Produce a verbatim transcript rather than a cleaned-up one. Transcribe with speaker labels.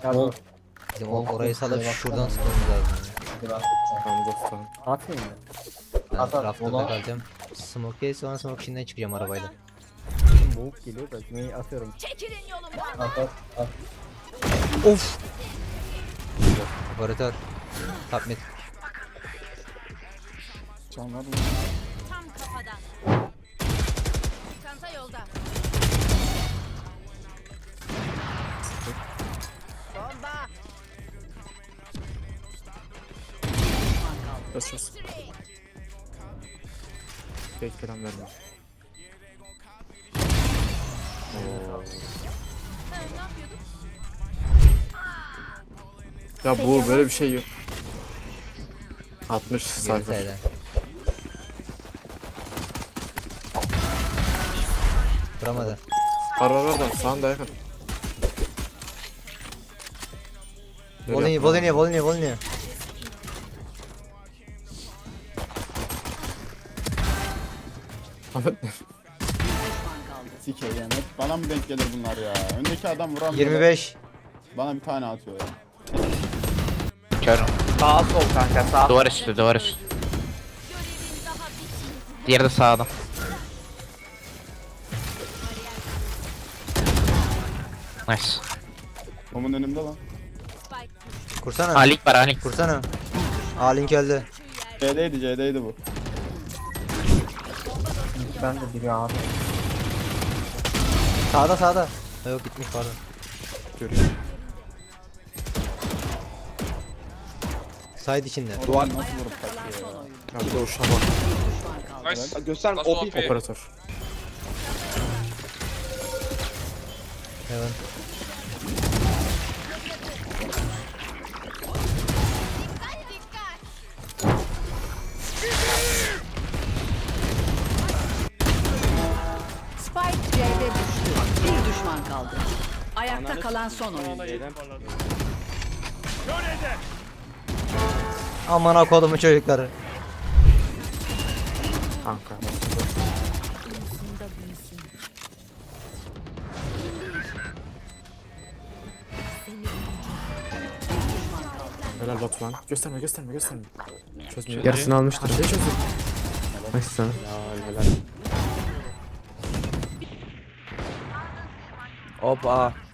Speaker 1: Ya dur.
Speaker 2: Bizim o, orayı salıp
Speaker 1: Şuraya
Speaker 2: şuradan
Speaker 1: baksana.
Speaker 2: sıkmamız lazım.
Speaker 1: Bir bak tutacağım.
Speaker 3: Tamam dostum.
Speaker 1: Atayım mı?
Speaker 2: Ben
Speaker 1: At, at,
Speaker 2: rafter'da
Speaker 1: mola.
Speaker 2: kalacağım. Smoke değil, sonra smoke içinden çıkacağım arabayla.
Speaker 1: Şimdi boğuk geliyor da neyi atıyorum.
Speaker 4: Çekilin yolumdan.
Speaker 1: At at at.
Speaker 2: Of! Operatör. Top mid.
Speaker 5: Canlar
Speaker 4: Tam kafadan. Çanta yolda. Bomba.
Speaker 3: Çöz çöz. Pek falan verme. Oo.
Speaker 4: Ha, ne yapıyorduk?
Speaker 3: Ya bu böyle bir şey yok. altmış
Speaker 2: Geri
Speaker 3: sayfa.
Speaker 2: sayıda. Vuramadı.
Speaker 3: Var var var da sağında yakın. Böyle
Speaker 2: Volini,
Speaker 3: yapma.
Speaker 2: volini, volini, volini.
Speaker 3: Ahmet
Speaker 5: sikeyim yani. Hep bana mı denk gelir bunlar ya? Öndeki adam vuramıyor.
Speaker 2: yirmi beş.
Speaker 5: Bana bir tane atıyor ya.
Speaker 6: Körüm.
Speaker 7: Sağ sol kanka sağ.
Speaker 6: Duvar üstü, duvar üstü.
Speaker 4: Görevin daha bitmedi.
Speaker 6: Diğeri de sağda. Nice.
Speaker 5: Onun önümde lan.
Speaker 4: Spike.
Speaker 2: Kursana.
Speaker 6: Alik var, Alik.
Speaker 2: Kursana. A-Link öldü.
Speaker 5: C'deydi C'deydi bu.
Speaker 1: Ben de biri abi.
Speaker 2: Sağda sağda. Ha, yok gitmiş pardon.
Speaker 3: görüyor.
Speaker 2: Side içinde.
Speaker 5: Duvar nasıl vurup kaçıyor ya?
Speaker 3: Ya bir de uşağa bak.
Speaker 7: Nice. Gösterme.
Speaker 8: Nasıl
Speaker 7: O
Speaker 8: O P?
Speaker 3: Operatör.
Speaker 2: Heaven.
Speaker 9: Spike C'de düştü. Bir düşman kaldı. Ayakta kalan son oyuncu.
Speaker 2: Aman akodumu çocukları.
Speaker 3: Kanka. Helal Batuhan. Gösterme gösterme gösterme. Çözmüyor.
Speaker 10: Yarısını almıştır.
Speaker 3: Şey çözdüm.
Speaker 10: Nice sana.
Speaker 7: Hop A.